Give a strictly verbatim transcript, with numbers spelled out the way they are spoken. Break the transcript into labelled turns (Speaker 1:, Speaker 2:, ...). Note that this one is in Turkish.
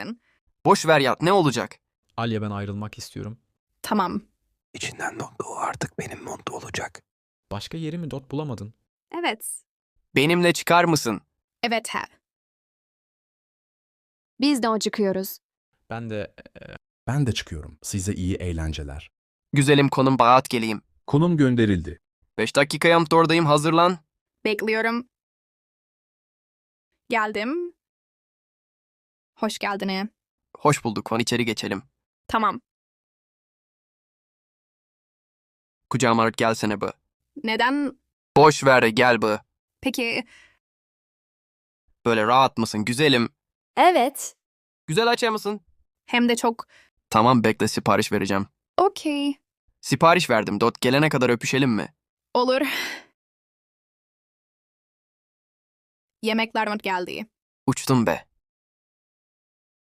Speaker 1: verecektin.
Speaker 2: Boş ver ya, ne olacak?
Speaker 3: Alya, ben ayrılmak istiyorum.
Speaker 1: Tamam.
Speaker 4: İçinden Dot o artık benim Montu olacak.
Speaker 3: Başka yeri mi Dot bulamadın?
Speaker 1: Evet.
Speaker 2: Benimle çıkar mısın?
Speaker 1: Evet he.
Speaker 5: Biz de acıkıyoruz.
Speaker 3: Ben de
Speaker 6: Ben de çıkıyorum. Size iyi eğlenceler.
Speaker 2: Güzelim konum Baat geleyim.
Speaker 6: Konum gönderildi.
Speaker 2: Beş dakikaya oradayım, hazırlan.
Speaker 1: Bekliyorum. Geldim. Hoş geldin.
Speaker 2: Hoş bulduk, kon içeri geçelim.
Speaker 1: Tamam.
Speaker 2: Kucağıma alıp gelsene bu.
Speaker 1: Neden?
Speaker 2: Boş ver, gel bu.
Speaker 1: Peki
Speaker 2: Böyle rahat mısın güzelim?
Speaker 5: Evet.
Speaker 2: Güzel açar mısın?
Speaker 1: hem de çok
Speaker 2: Tamam, bekle, sipariş vereceğim.
Speaker 1: okey.
Speaker 2: Sipariş verdim, Dot gelene kadar öpüşelim mi?
Speaker 1: Olur. Yemekler geldi.
Speaker 2: Uçtum be.